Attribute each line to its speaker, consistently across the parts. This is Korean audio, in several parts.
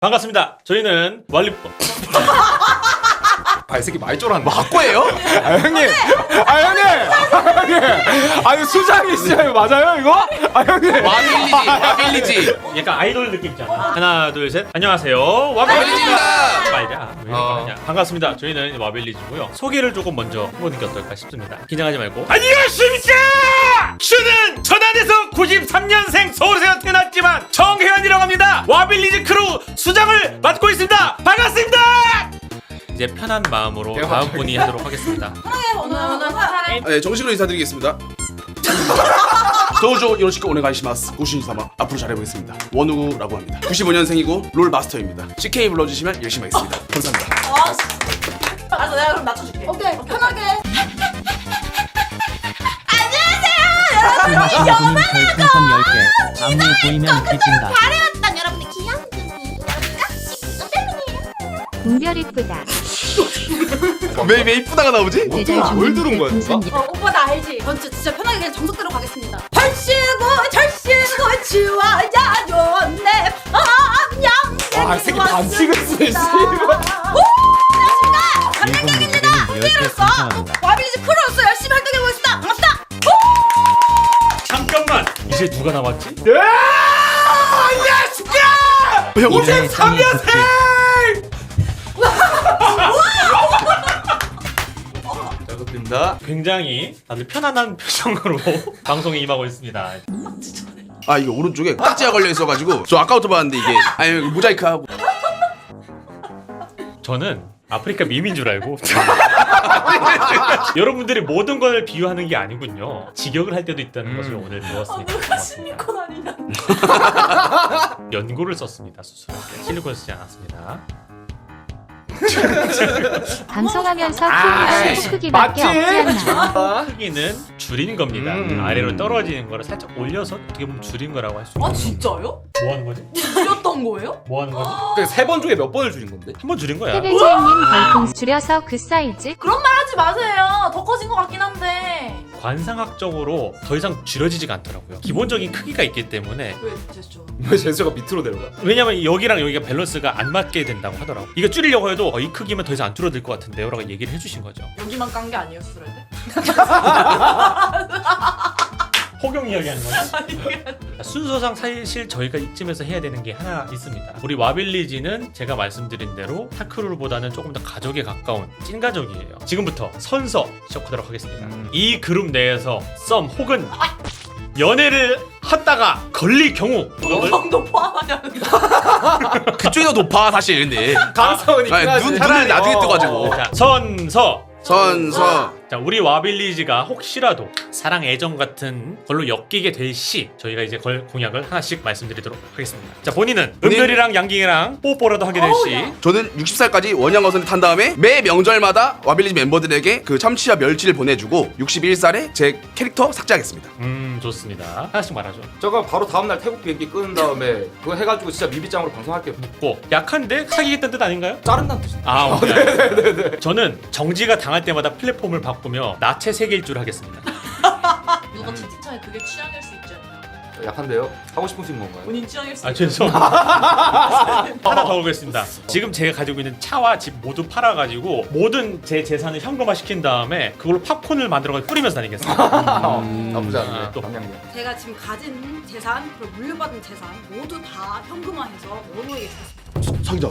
Speaker 1: 반갑습니다. 저희는 왈리포.
Speaker 2: 이 새끼 많이 쫄았네.
Speaker 3: 막고예요?
Speaker 2: 형님. 아니 수장이시죠? 맞아요 이거? 형님.
Speaker 3: 와빌리지.
Speaker 1: 약간 아이돌 느낌 있잖아. 하나, 둘, 셋. 안녕하세요. 와빌리지입니다. 말자. 왜 이렇게 하냐. 반갑습니다. 저희는 와빌리지고요. 소개를 조금 먼저 해보는 게 어떨까 싶습니다. 긴장하지 말고. 안녕하십니까! 저는 천안에서 93년생 서울에서 태어났지만 정혜원이라고 합니다. 와빌리지 크루 수장을 맡고 있습니다. 반갑습니다. 이제 편한 마음으로 다음 분이 하도록 하겠습니다.
Speaker 3: 네, 정식으로 인사드리겠습니다. 도조 요로시코 오네가이시마스. 고신사마 앞으로 잘해보겠습니다. 원우구라고 합니다. 95년생이고 롤 마스터입니다. CK 불러주시면 열심히 하겠습니다. 감사합니다.
Speaker 4: 알았어, 내가 그럼 낮춰줄게. 오케이, 편하게.
Speaker 5: 안녕하세요, 여러분. 별풍선 10개. 안무 보이면 뒤진다.
Speaker 4: 잘해왔다, 여러분들. 귀염둥이. 깜짝이에요.
Speaker 6: 은별 이쁘다.
Speaker 3: 왜 이쁘다가 나오지?
Speaker 5: 뭘 들은 거야 누가?
Speaker 4: 오빠 나 알지? 전 진짜 편하게 그냥 정석대로 가겠습니다. 절시고 지워야죠 내 밤양.
Speaker 2: 이 새끼 반칙을 쓰네.
Speaker 4: 감량객입니다.
Speaker 5: 로
Speaker 4: 와빌리지 크루로서 열심히 활동해보겠습니다. 반갑습니다.
Speaker 1: 잠깐만. 이제 누가 남았지?
Speaker 3: 형,
Speaker 1: 53년생!
Speaker 3: 잘부탁드립니다.
Speaker 1: 굉장히 다들 편안한 표정으로 방송에 임하고 있습니다.
Speaker 3: 아, 이게 오른쪽에 딱지가 걸려 있어가지고 저 아까부터 봤는데 이게 아니 모자이크하고.
Speaker 1: 저는 아프리카 밈인 줄 알고 여러분들이 모든 걸 비유하는 게 아니군요. 직역을 할 때도 있다는 것을 오늘 배웠으니까
Speaker 4: 누가 실리콘 아니냐?
Speaker 1: 연고를 썼습니다. 수술할 때 실리콘 쓰지 않았습니다.
Speaker 6: 방송하면서 키우면 크기밖에 없지 않나요?
Speaker 1: 크기는 줄인 겁니다. 아래로 떨어지는 거를 살짝 올려서 어떻게 보면 줄인 거라고 할 수 있어요.
Speaker 4: 아 진짜요?
Speaker 1: 뭐 하는 거지?
Speaker 4: 줄였던 거예요?
Speaker 1: 뭐 하는 거지?
Speaker 2: 3번 중에 몇 번을 줄인 건데?
Speaker 1: 한 번 줄인 거야.
Speaker 6: 헤벨제이님 별풍 줄여서 그 사이즈.
Speaker 4: 그런 말 하지 마세요. 더 커진 것 같긴 한데.
Speaker 1: 관상학적으로 더 이상 줄여지지가 않더라고요. 기본적인 크기가 있기 때문에.
Speaker 4: 왜 제스처?
Speaker 2: 왜 제스처가 밑으로 내려가?
Speaker 1: 왜냐면 여기랑 여기가 밸런스가 안 맞게 된다고 하더라고. 이거 줄이려고 해도 이 크기면 더 이상 안 줄어들 것 같은데요 라고 얘기를 해주신 거죠.
Speaker 4: 여기만 깐 게 아니었어야 돼?
Speaker 1: 호경 이야기하는 거죠. 순서상 사실 저희가 이쯤에서 해야 되는 게 하나 있습니다. 우리 와빌리지는 제가 말씀드린 대로 타크루보다는 조금 더 가족에 가까운 찐가족이에요. 지금부터 선서 시작하도록 하겠습니다. 이 그룹 내에서 썸 혹은 연애를 하다가 걸릴 경우
Speaker 4: 영상도 포함하냐는.
Speaker 3: 그쪽이 더 높아 사실 근데.
Speaker 2: 가능성은 있긴 하지.
Speaker 3: 눈을 나중에 뜨가지고.
Speaker 1: 자, 선서.
Speaker 3: 선서.
Speaker 1: 자, 우리 와빌리지가 혹시라도 사랑 애정 같은 걸로 엮이게 될 시 저희가 이제 걸 공약을 하나씩 말씀드리도록 하겠습니다. 자, 본인은 은별이랑 양갱이랑 뽀뽀라도 하게 될 시
Speaker 3: 저는 60살까지 원양어선을 탄 다음에 매 명절마다 와빌리지 멤버들에게 그 참치와 멸치를 보내주고 61살에 제 캐릭터 삭제하겠습니다.
Speaker 1: 좋습니다. 하나씩 말하죠.
Speaker 2: 저거 바로 다음날 태국 비행기 끄는 다음에 그거 해가지고 진짜 미비짱으로 방송할게요.
Speaker 1: 고 약한데 사귀겠다는 뜻 아닌가요?
Speaker 2: 자른다는 뜻이.
Speaker 1: 아, 오케이. 저는 정지가 당할 때마다 플랫폼을 바꾸며 나체 세길줄 하겠습니다.
Speaker 4: 누가 채팅창에 그게 취향일 수 있지 않냐?
Speaker 2: 약한데요? 하고 싶으신 건가요?
Speaker 4: 본인 취향일 수
Speaker 1: 아,
Speaker 4: 있지.
Speaker 1: 죄송합니다. 하나 더 보겠습니다. 지금 제가 가지고 있는 차와 집 모두 팔아가지고 모든 제 재산을 현금화 시킨 다음에 그걸로 팝콘을 만들어가지고 뿌리면서 다니겠습니다.
Speaker 2: 나쁘지
Speaker 1: 아,
Speaker 2: 않은데.
Speaker 1: 또.
Speaker 2: 방향이.
Speaker 7: 제가 지금 가진 재산 그리고 물려받은 재산 모두 다 현금화해서 원우에게 주겠습니다.
Speaker 3: 사기자.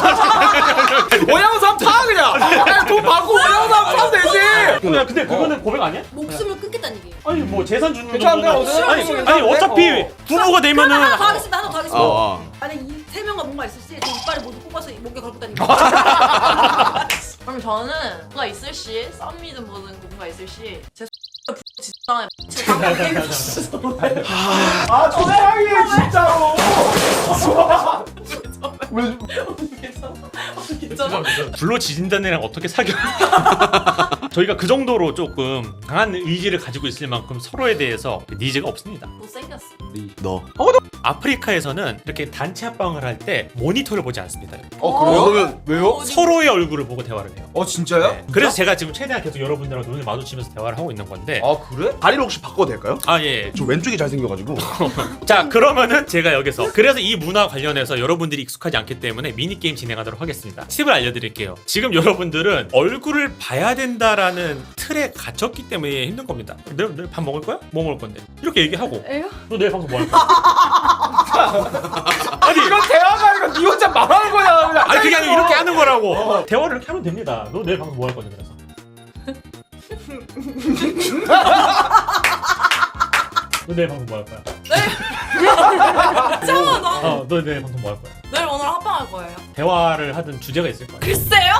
Speaker 2: 원양삼 타 그냥. 돈 받고 원양삼 타면 되지.
Speaker 1: 야, 근데 그거는 고백 아니야?
Speaker 7: 목숨을 끊겠다는 얘기예요.
Speaker 1: 아니 뭐 재산 주는
Speaker 2: 괜찮은데,
Speaker 1: 정도는 아니
Speaker 2: 괜찮은데?
Speaker 1: 어차피 부부가 되면은
Speaker 7: 하나 더 하겠습니다. 하나 더 하겠습니다.
Speaker 3: 어.
Speaker 7: 만약 이 세 명과 뭔가 있을지 저 이빨을 모두 뽑아서 목에 걸고 다닙니다.
Speaker 4: 그럼 저는 뭔가 있을 시 썸이든 뭐든 뭔가 있을 시제 진짜 제 방금 게임 줬어.
Speaker 2: 아 조상이 진짜로.
Speaker 4: 괜찮아?
Speaker 1: 불로 지진다는 애랑 어떻게 사겨? 저희가 그 정도로 조금 강한 의지를 가지고 있을 만큼 서로에 대해서 니즈가 없습니다.
Speaker 4: 못생겼어.
Speaker 3: 너.
Speaker 1: 아프리카에서는 이렇게 단체 합방을 할 때 모니터를 보지 않습니다.
Speaker 3: 그러면
Speaker 2: 왜요?
Speaker 1: 서로의 얼굴을 보고 대화를 해요.
Speaker 2: 진짜요?
Speaker 1: 네. 그래서 제가 지금 최대한 계속 여러분들하고 눈을 마주치면서 대화를 하고 있는 건데.
Speaker 2: 그래?
Speaker 3: 다리를 혹시 바꿔도 될까요?
Speaker 1: 예.
Speaker 3: 저 왼쪽이 잘생겨가지고.
Speaker 1: 자, 그러면은 제가 여기서 그래서 이 문화 관련해서 여러분들이 익숙하지 않기 때문에 미니게임 진행하도록 하겠습니다. 팁을 알려드릴게요. 지금 여러분들은 얼굴을 봐야 된다라는 틀에 갇혔기 때문에 힘든 겁니다. 내일 밥 먹을 거야? 뭐 먹을 건데? 이렇게 얘기하고
Speaker 7: 에요?
Speaker 1: 너 내일 방송 뭐 할 거야?
Speaker 2: 아니 이건 대화가 아니라 니 혼자 말하는 거야. 그냥
Speaker 1: 아니 그게 아니라 이렇게 하는 거라고. 대화를 이렇게 하면 됩니다. 너 내일 방송 뭐 할 건데 그래서? 너 내일 방송 뭐 할 거야?
Speaker 4: 이상하다.
Speaker 1: 너 내일 방송 뭐 할 거야?
Speaker 4: 내일 오늘 합방할 거예요.
Speaker 1: 대화를 하든 주제가 있을 거야.
Speaker 4: 글쎄요?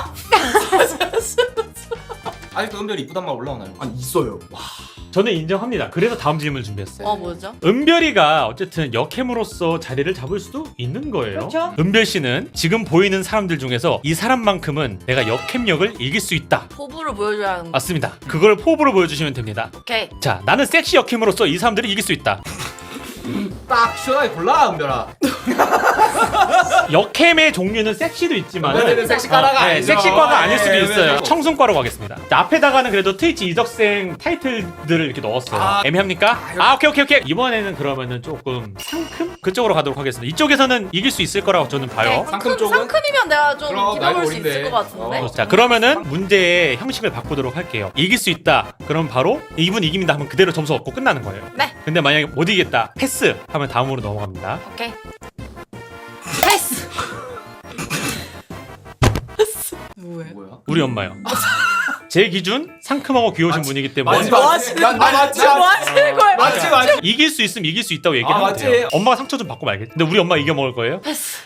Speaker 2: 아직도 은별이 이쁘단 말 올라오나요?
Speaker 3: 아니 있어요.
Speaker 1: 저는 인정합니다. 그래서 다음 질문을 준비했어요.
Speaker 4: 뭐죠?
Speaker 1: 은별이가 어쨌든 역캠으로서 자리를 잡을 수도 있는 거예요.
Speaker 7: 그렇죠.
Speaker 1: 은별 씨는 지금 보이는 사람들 중에서 이 사람만큼은 내가 역캠력을 이길 수 있다.
Speaker 4: 포부를 보여줘야 하는 거.
Speaker 1: 맞습니다. 그걸 포부로 보여주시면 됩니다.
Speaker 4: 오케이.
Speaker 1: 자, 나는 섹시 역캠으로서 이 사람들을 이길 수 있다.
Speaker 2: 딱 시원하게 골라 은별아.
Speaker 1: 역캠의 종류는 섹시도 있지만
Speaker 2: 은별이는 섹시과가 아니죠.
Speaker 1: 섹시과가 아닐 수도
Speaker 2: 예,
Speaker 1: 있어요.
Speaker 2: 예.
Speaker 1: 청순과로 가겠습니다. 자, 앞에다가는 그래도 트위치 이적생 타이틀들을 이렇게 넣었어요. 애매합니까? 오케이. 이번에는 그러면은 조금 상큼? 그쪽으로 가도록 하겠습니다. 이쪽에서는 이길 수 있을 거라고 저는 봐요.
Speaker 2: 상큼 쪽은?
Speaker 4: 상큼이면 내가 좀
Speaker 2: 그럼
Speaker 4: 기다릴
Speaker 2: 나이
Speaker 4: 수 있을
Speaker 2: 어린데.
Speaker 4: 것 같은데.
Speaker 1: 자, 그러면은 문제의 형식을 바꾸도록 할게요. 이길 수 있다. 그럼 바로 이분 이깁니다 하면 그대로 점수 얻고 끝나는 거예요.
Speaker 4: 네.
Speaker 1: 근데 만약에 못 이기겠다. 패스 하면 다음으로 넘어갑니다.
Speaker 4: 오케이. 패스. 뭐해?
Speaker 2: 뭐야?
Speaker 1: 우리 엄마요. 제 기준 상큼하고 귀여우신 분이기 때문에
Speaker 2: 맞지? 맞지?
Speaker 4: 뭐 하시는 거예요?
Speaker 2: 맞지?
Speaker 1: 이길 수 있으면 이길 수 있다고 얘기하면
Speaker 2: 맞지?
Speaker 1: 돼요. 엄마가 상처 좀 받고 말겠지. 근데 우리 엄마 이겨 먹을 거예요?
Speaker 4: 패스.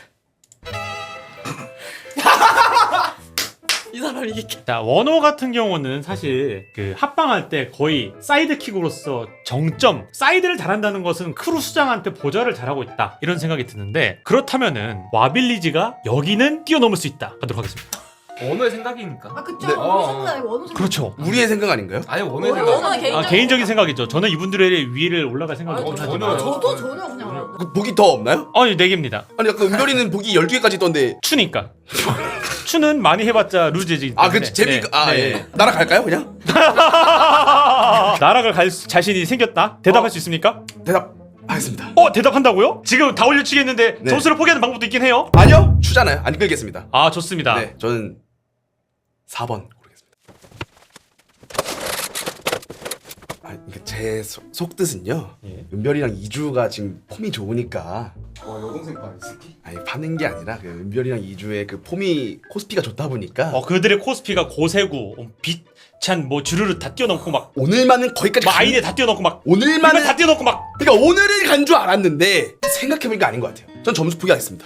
Speaker 4: 이 사람 이게.
Speaker 1: 자, 원호 같은 경우는 사실 그 합방할 때 거의 사이드킥으로서 정점, 사이드를 잘한다는 것은 크루 수장한테 보좌를 잘하고 있다 이런 생각이 드는데, 그렇다면은 와빌리지가 여기는 뛰어넘을 수 있다 하도록 하겠습니다.
Speaker 2: 원호의 생각이니까.
Speaker 7: 그쵸.
Speaker 3: 네.
Speaker 7: 원호 생각 아니고 원호 생각.
Speaker 1: 그렇죠.
Speaker 3: 우리의 생각 아닌가요?
Speaker 2: 아니 원호의
Speaker 4: 원호는
Speaker 2: 생각.
Speaker 4: 개인적인
Speaker 1: 개인적인 생각이죠. 저는 이분들의 위를 올라갈 생각은
Speaker 2: 아니,
Speaker 1: 하지만
Speaker 2: 전혀요.
Speaker 7: 저도 전혀 그냥 알아요.
Speaker 3: 그 복이 더 없나요?
Speaker 1: 아니 4개입니다.
Speaker 3: 아니 아까 은별이는 복이 10개까지 있던데.
Speaker 1: 추니까. 추는 많이 해봤자 루즈지.
Speaker 3: 그 재미가
Speaker 1: 네.
Speaker 3: 예. 날아갈까요 그냥?
Speaker 1: 나락을 갈 자신이 생겼다? 대답할 수 있습니까?
Speaker 3: 대답하겠습니다.
Speaker 1: 대답한다고요? 지금 다 올려치겠는데
Speaker 3: 네.
Speaker 1: 점수를 포기하는 방법도 있긴 해요.
Speaker 3: 아니요 추잖아요. 안 끌겠습니다.
Speaker 1: 아, 좋습니다.
Speaker 3: 네 저는 4번 고르겠습니다. 그러니까 제 속뜻은요.
Speaker 1: 예.
Speaker 3: 은별이랑 이주가 지금 폼이 좋으니까.
Speaker 2: 와 여동생 봐 이 새끼.
Speaker 3: 아니 파는 게 아니라 그 은별이랑 이주의 그 폼이 코스피가 좋다 보니까
Speaker 1: 그들의 코스피가 고세구, 빛찬 뭐 주르르 다 뛰어넘고 막
Speaker 3: 오늘만은 거기까지
Speaker 1: 아이네 다 뛰어넘고 막
Speaker 3: 오늘만은
Speaker 1: 이만 다 뛰어넘고 막.
Speaker 3: 그러니까 오늘을 간 줄 알았는데 생각해보니까 아닌 것 같아요. 전 점수 포기하겠습니다.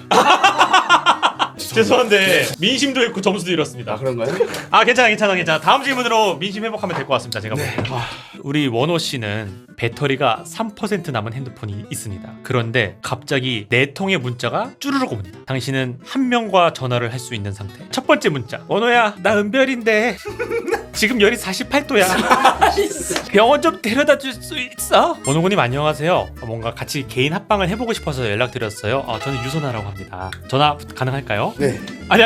Speaker 1: 죄송한데 민심도 잃고 점수도 잃었습니다.
Speaker 3: 그런가요?
Speaker 1: 괜찮아. 다음 질문으로 민심 회복하면 될 것 같습니다. 제가
Speaker 3: 네.
Speaker 1: 보기엔. 우리 원호 씨는 배터리가 3% 남은 핸드폰이 있습니다. 그런데 갑자기 4통의 문자가 쭈르륵 옵니다. 당신은 한 명과 전화를 할 수 있는 상태. 첫 번째 문자. 원호야, 나 은별인데 지금 열이 48도야. 병원 좀 데려다 줄 수 있어? 원호군님 안녕하세요. 뭔가 같이 개인 합방을 해보고 싶어서 연락드렸어요. 저는 유선아라고 합니다. 전화 가능할까요?
Speaker 3: 네.
Speaker 1: 아니.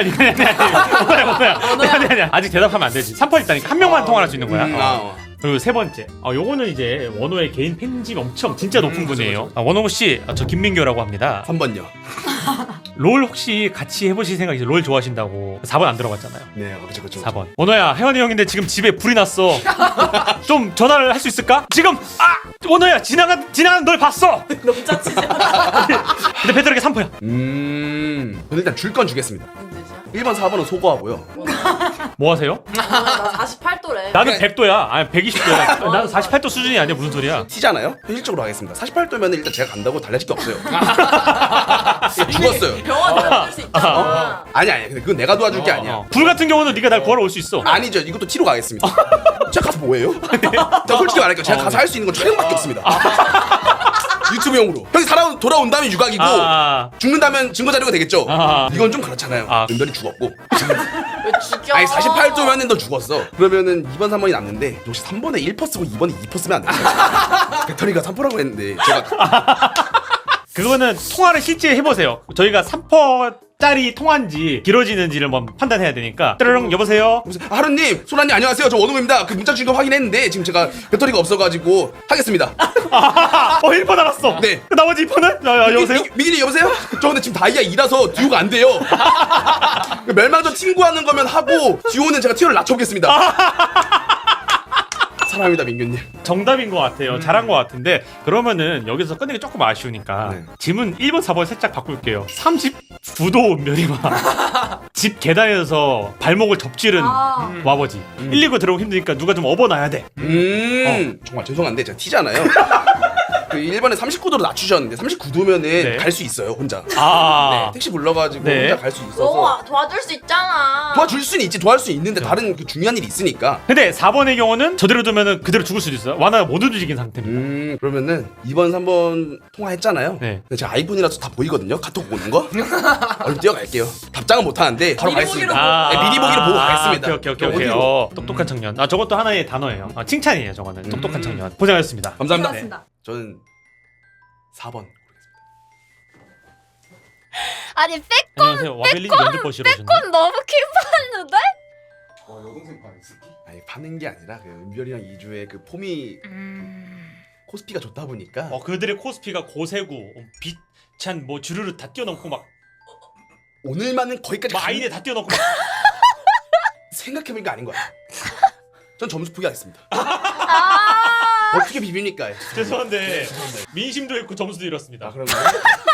Speaker 1: 아니. 아직 대답하면 안 되지. 3% 있다니까 한 명만 통화할 수 있는 거야. 그리고 세 번째, 요거는 이제 원호의 개인 팬집 엄청 진짜 높은 분이에요. 원호 씨, 저 김민규라고 합니다.
Speaker 3: 3번요.
Speaker 1: 롤 혹시 같이 해보실 생각이죠? 롤 좋아하신다고. 4번 안 들어갔잖아요.
Speaker 3: 네, 그렇죠.
Speaker 1: 4번. 원호야, 혜원이 형인데 지금 집에 불이 났어. 좀 전화를 할 수 있을까? 지금 원호야, 지나간 널 봤어.
Speaker 4: 너무 짜치지.
Speaker 1: 근데 배터리가 3%야.
Speaker 3: 저는 일단 줄 건 주겠습니다.
Speaker 4: 무슨 뜻이야?
Speaker 3: 1번, 4번은 소거하고요.
Speaker 1: 뭐 하세요?
Speaker 4: 나 48도래.
Speaker 1: 나는 100도야. 아니 120도야. 나는 48도 수준이 아니야. 무슨 소리야?
Speaker 3: T잖아요? 현실적으로 하겠습니다. 48도면 일단 제가 간다고 달라질 게 없어요. 죽었어요.
Speaker 4: 병원 데려갈 수 있잖아.
Speaker 3: 아니 근데 그건 내가 도와줄 게 아니야.
Speaker 1: 불 같은 경우는 네가 날 구하러 올 수 있어.
Speaker 3: 아니죠. 이것도 T로 가겠습니다. 제가 가서 뭐해요? 제가 솔직히 말할게요. 제가 가서 할 수 있는 건 촬영밖에 없습니다. 유튜브용으로. 형이 돌아온다면 유각이고 죽는다면 증거자료가 되겠죠. 이건 좀 그렇잖아요. 은별이 죽었고.
Speaker 4: 왜 죽여?
Speaker 3: 아니 48도면은 너 죽었어. 그러면은 2번, 3번이 남는데 혹시 3번에 1% 쓰고 2번에 2% 쓰면 안 돼요? 배터리가 3%라고 했는데 제가
Speaker 1: 그거는 통화를 실제 해보세요. 저희가 3%짜리 통화인지 길어지는지를 한번 판단해야 되니까. 따르릉 여보세요.
Speaker 3: 하루님, 소라님 안녕하세요. 저 원우입니다. 그 문자 주신 거 확인했는데 지금 제가 배터리가 없어가지고 하겠습니다.
Speaker 1: 1% 남았어.
Speaker 3: 네.
Speaker 1: 그 나머지 2%는? 여보세요?
Speaker 3: 미기님 여보세요? 저 근데 지금 다이아 2라서 듀오가 안 돼요. 멸망전 팀구하는 거면 하고 듀오는 제가 티어를 낮춰보겠습니다. 사랑합니다 민규님.
Speaker 1: 정답인 것 같아요. 잘한 것 같은데 그러면은 여기서 끝내기 조금 아쉬우니까
Speaker 3: 네.
Speaker 1: 짐은 1번, 4번 살짝 바꿀게요. 39도 온면이와 집 계단에서 발목을 접지른 와버지. 1, 2구 들어오기 힘드니까 누가 좀 업어놔야 돼.
Speaker 3: 정말 죄송한데 제가 티잖아요. 그 1번에 39도로 낮추셨는데 39도면은
Speaker 1: 네.
Speaker 3: 갈 수 있어요 혼자.
Speaker 1: 아.
Speaker 3: 네, 택시 불러가지고
Speaker 1: 네.
Speaker 3: 혼자 갈 수 있어서
Speaker 4: 너무 도와줄 수 있잖아.
Speaker 3: 도와줄 수는 있지, 도와줄 수 있는데 다른 그 중요한 일이 있으니까.
Speaker 1: 근데 4번의 경우는 저대로 두면은 그대로 죽을 수도 있어요. 와나가 못 움직인 상태입니다.
Speaker 3: 그러면은 2번 3번 통화했잖아요.
Speaker 1: 네.
Speaker 3: 근데 제가 아이폰이라서 다 보이거든요, 카톡 오는 거. 얼른 뛰어갈게요. 답장은 못하는데 바로
Speaker 7: 미리
Speaker 3: 가겠습니다.
Speaker 7: 보기로
Speaker 3: 네, 미리 보기로 보고 가겠습니다.
Speaker 1: 오케이.
Speaker 3: 어디로?
Speaker 1: 똑똑한 청년. 저것도 하나의 단어예요. 칭찬이에요, 저거는. 똑똑한 청년. 고생하셨습니다.
Speaker 3: 감사합니다.
Speaker 7: 고맙습니다.
Speaker 3: 저는 4번.
Speaker 8: 아니 백
Speaker 1: 안녕하세요. 와벨린 면접 보시러 오셨나요?
Speaker 8: 건 너무 킹받는데?
Speaker 2: 여동생 반 있을게.
Speaker 3: 아니 파는 게 아니라 그 은별이랑 이주의 그 폼이 코스피가 좋다 보니까
Speaker 1: 그들의 코스피가 고세구, 빛찬 뭐 주르르 다 뛰어넘고 막
Speaker 3: 오늘만은 거기까지
Speaker 1: 아이네 다 뛰어넘고 막
Speaker 3: 생각해보니까 아닌 거야. 전 점수 포기하겠습니다.
Speaker 8: 아
Speaker 3: 어떻게 비빕니까?
Speaker 1: 죄송한데 민심도 잃고 점수도 잃었습니다.
Speaker 3: 그런가요?